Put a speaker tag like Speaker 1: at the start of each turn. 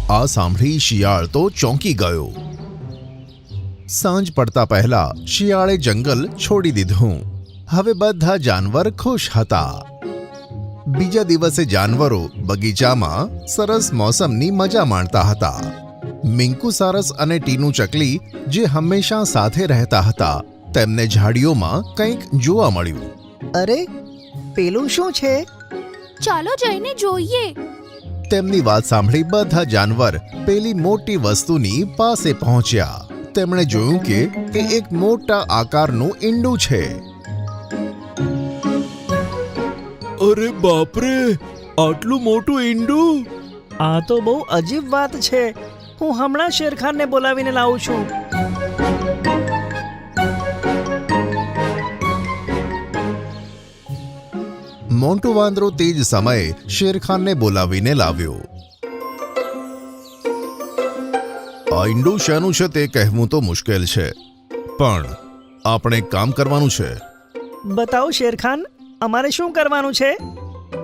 Speaker 1: આ સાંભળી શિયાળ તો ચોંકી ગયો. સાંજ પડતા પહેલા શિયાળે જંગલ છોડી દીધું. હવે બધા જાનવર ખુશ હતા. બીજા દિવસે જાનવરો બગીચામાં સરસ મોસમની મજા માણતા હતા. મિંકુ સારસ અને ટીનુ ચકલી જે હંમેશા સાથે રહેતા હતા, તેમને ઝાડીઓમાં કંઈક જોવા મળ્યું.
Speaker 2: અરે, પેલું શું છે?
Speaker 3: ચાલો જઈને જોઈએ.
Speaker 1: તેમની વાત સાંભળી બધા જાનવર પેલી મોટી વસ્તુની પાસે પહોંચ્યા. તેમણે જોયું કે તે એક મોટા આકારનું ઈંડું છે.
Speaker 4: અરે બાપરે, આટલું મોટું ઈંડું!
Speaker 2: આ તો બહુ અજીબ વાત છે. હું હમણાં શેરખાનને બોલાવીને લાવું છું.
Speaker 1: મોન્ટુ વાંદરો તે જ સમયે શેરખાનને બોલાવીને લાવ્યો. આ ઈંડું શાનું છે તે કહેવું તો મુશ્કેલ છે, પણ આપણે એક કામ કરવાનું છે.
Speaker 2: બતાવો શેરખાન, અમારે શું કરવાનું છે?